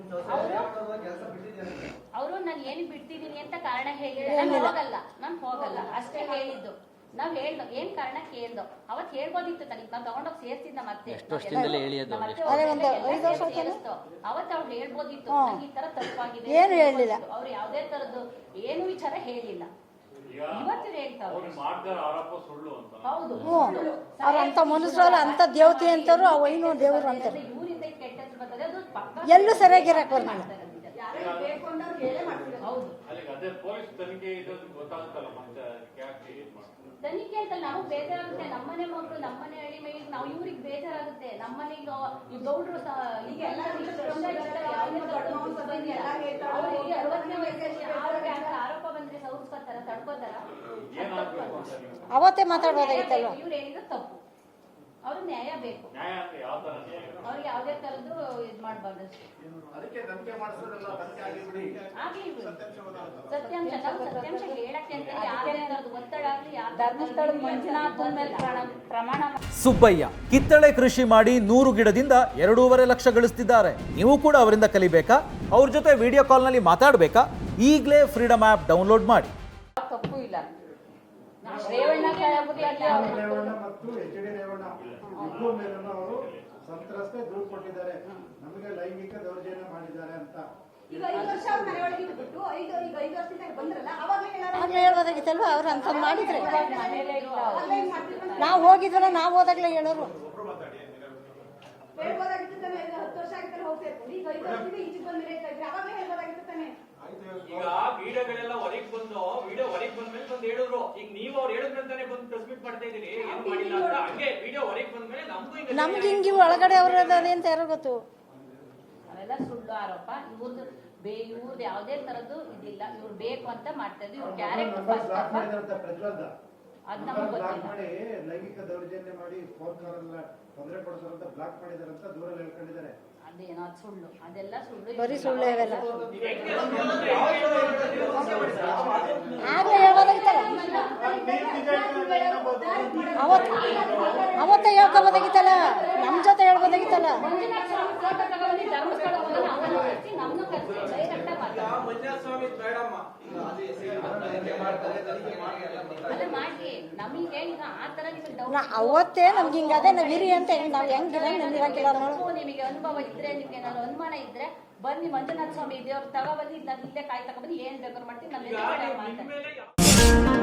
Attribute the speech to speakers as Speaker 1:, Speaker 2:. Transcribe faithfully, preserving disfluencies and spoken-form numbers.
Speaker 1: ಅವರು ನಾನು ಏನು ಬಿಡ್ತಿದ್ದೀನಿ ಅಂತ ಕಾರಣ ಹೇಳಿಲ್ಲ, ನಾನು ಹೋಗಲ್ಲ ನಾನು ಹೋಗಲ್ಲ ಅಷ್ಟೇ ಹೇಳಿದ್ದು. ನಾವ್ ಹೇಳ್ದೋ ಏನ್ ಕಾರಣ ಕೇಳ್ದೋ, ಅವತ್ ಹೇಳ್ಬೋದಿತ್ತು ತನಕ ನಾವ್ ತಗೊಂಡೋಗಿ ಸೇರ್ಸಿದ್ದ ಮತ್ತೆ ಅವತ್ ಅವ್ರು ಹೇಳ್ಬೋದಿತ್ತು ಈ ತರ ತಪ್ಪಾಗಿದೆ. ಅವ್ರು ಯಾವ್ದೇ ತರದ್ದು ಏನು ವಿಚಾರ ಹೇಳಿಲ್ಲ, ಇವತ್ತು ಹೇಳ್ತಾವ್ರು. ಹೌದು,
Speaker 2: ಅವ್ರಂತ ಮನುಷ್ಯರಲ್ಲ, ಅಂತ ದೇವತೆ ಅಂತಾರು ಅವನು ದೇವರು ಅಂತಾರೆ.
Speaker 1: ಇವರಿಂದ ಕೆಟ್ಟ ಹೆಸರು ಬರ್ತದೆ, ಅದು
Speaker 2: ಎಲ್ಲೂ ಸರಿಯಾಗಿರಕ್ ಬರಲ್ಲ.
Speaker 1: ಹೌದು, ತನಿಖೆ ಅಂತ ನಮಗ್ ಬೇಜಾರಾಗುತ್ತೆ. ನಮ್ಮನೆ ಮಕ್ಕಳು ನಮ್ಮನೆ ಹಳ್ಳಿ ಮೇಲೆ ನಾವು ಇವ್ರಿಗೆ ಬೇಜಾರಾಗುತ್ತೆ. ನಮ್ಮನೆಗೆ ಈ ಗೌಡ್ರು ಈಗ ಎಲ್ಲ ಅರವತ್ತನೇ ವಯಸ್ಸಲ್ಲಿ ಅವ್ರಿಗೆ ಆರೋಪ ಬಂದ್ರೆ ಸೌಸ್ಕೊತಾರ, ತಡ್ಕೋತಾರ.
Speaker 2: ಅವತ್ತೇ ಮಾತಾಡ್ಬೋದಾಗಿತ್ತಲ್ವ.
Speaker 1: ಇವ್ರು ಹೇಳಿದ್ರು ತಪ್ಪು, ಅವ್ರು ನ್ಯಾಯ ಬೇಕು. ಅವ್ರಿಗೆ ಯಾವ್ದೇ ತರದ್ದು ಇದ್ ಮಾಡ್ಬಾರ್ದು ಅಷ್ಟೇ. ಸತ್ಯಾಂಶ ನಾವು ಸತ್ಯಾಂಶ ಹೇಳಕ್ಕೆ ಅಂತ ಯಾವ್ದೇ ತರದ್ದು ಒತ್ತಡ ಆಗ್ಲಿ, ಧರ್ಮಸ್ಥಳ ಮಂಜುನಾಥನ ಮೇಲೆ ಪ್ರಮಾಣ.
Speaker 3: ಸುಬ್ಬಯ್ಯ ಕಿತ್ತಳೆ ಕೃಷಿ ಮಾಡಿ ನೂರು ಗಿಡದಿಂದ ಎರಡೂವರೆ ಲಕ್ಷ ಗಳಿಸ್ತಿದ್ದಾರೆ. ನೀವು ಕೂಡ ಅವರಿಂದ ಕಲಿಬೇಕಾ? ಅವ್ರ ಜೊತೆ ವಿಡಿಯೋ ಕಾಲ್ ನಲ್ಲಿ ಮಾತಾಡಬೇಕಾ? ಈಗಲೇ ಫ್ರೀಡಮ್ ಆಪ್ ಡೌನ್ಲೋಡ್ ಮಾಡಿ.
Speaker 1: ತಪ್ಪು ಇಲ್ಲ. ರೇವಣ್ಣ
Speaker 4: ರೇವಣ್ಣ ಮತ್ತು ಎಚ್ ಡಿ ರೇವಣ್ಣ ಇಬ್ಬರು ಮೇಲೂ ಅವರು ಸಂತ್ರಸ್ತೆ ದೂರು ಕೊಟ್ಟಿದ್ದಾರೆ, ನಮಗೆ ಲೈಂಗಿಕ ದೌರ್ಜನ್ಯ ಮಾಡಿದ್ದಾರೆ ಅಂತ.
Speaker 2: ಆಗ್ಲೇ ಹೇಳ್ಬೋದಾಗಿತ್ತಲ್ವ, ಅವ್ರು ಅಂತ ಮಾಡಿದ್ರೆ. ನಾವು ಹೋಗಿದ್ವಲ್ಲ, ನಾವು ಹೋದಾಗ್ಲೇ ಹೇಳೋರು.
Speaker 5: ಈಗ ವಿಡಿಯೋಗಳೆಲ್ಲ ಹೊರಗೆ ಬಂದು ವಿಡಿಯೋ ಹೊರಗೆ ಬಂದ್ಮೇಲೆ ಬಂದು ಹೇಳಿದ್ರು. ಈಗ ನೀವು ಅವ್ರು ಹೇಳಿದ್ರಂತಾನೆ ಬಂದು ಟ್ರಾನ್ಸ್ಮಿಟ್ ಮಾಡ್ತಾ ಇದೀರಿ, ಏನು ಮಾಡಿಲ್ಲ ಅಂತ. ಹಂಗೆ ವಿಡಿಯೋ ಹೊರಗೆ ಬಂದ್ಮೇಲೆ ನಮ್ಗೂ
Speaker 2: ನಮ್ಗೆ ಹಿಂಗಿ ಒಳಗಡೆ ಅವ್ರ ಅಂತ ಯಾರೋ ಗೊತ್ತು.
Speaker 1: ಅವೆಲ್ಲ ಸುಳ್ಳು ಆರೋಪ. ಇವ್ರದ್ದು ಬೇ ಇವ್ರದ್ದು ಯಾವ್ದೇ ತರದ್ದು ಇದಿಲ್ಲ. ಇವ್ರು ಬೇಕು ಅಂತ ಮಾಡ್ತಾ ಇದ್ರು. ಇವ್ರ ಕ್ಯಾರೆಕ್ಟರ್ ಅದ್ ನಮ್ಗೆ ಗೊತ್ತಿಲ್ಲ.
Speaker 4: ಲೈಂಗಿಕ ದೌರ್ಜನ್ಯ ಮಾಡಿ ಫೋನ್ ಕಾಲ್ ತೊಂದರೆ ಕೊಡ್ತಾರಂತ ಬ್ಲಾಕ್ ಮಾಡಿದಾರೆ ಅಂತ ದೂರಲ್ಲಿ ಹೇಳ್ಕೊಂಡಿದ್ದಾರೆ.
Speaker 1: ಅದೇನೋ ಅದು ಸುಳ್ಳು, ಅದೆಲ್ಲ ಸುಳ್ಳು,
Speaker 2: ಬರೀ ಸುಳ್ಳು ಇವೆಲ್ಲ. ಆಗ್ಲೇ ಹೇಳ್ಬೋದಾಗಿತ್ತಲ್ಲ, ಅವತ್ ಅವತ್ತೇ ಹೇಳ್ಕೋಬೋದಾಗಿತ್ತಲ್ಲ, ನಮ್ ಜೊತೆ ಹೇಳ್ಬೋದಾಗಿತ್ತಲ್ಲ. ಅವತ್ತೇ ನಮ್ಗೆ ಹಿಂಗದೆ ನಾವ್ ಇರಿ ಅಂತ ನಾವ್ ಹೆಂಗಿರ
Speaker 1: ನಿಮಗೆ ಅನುಭವ ಇದ್ರೆ, ನಿಮ್ಗೆ ಏನಾದ್ರು ಅನುಮಾನ ಇದ್ರೆ ಬನ್ನಿ ಮಂಜುನಾಥ ಸ್ವಾಮಿ ದೇವ್ರ ತಗೊಬಂದು ನಾನು ಇಲ್ಲೇ ಕಾಯಿ ತಗೊಬಂದು ಏನ್ ಬೇಕಾದ್ರು ಮಾಡ್ತೀನಿ. ನಮ್ಮ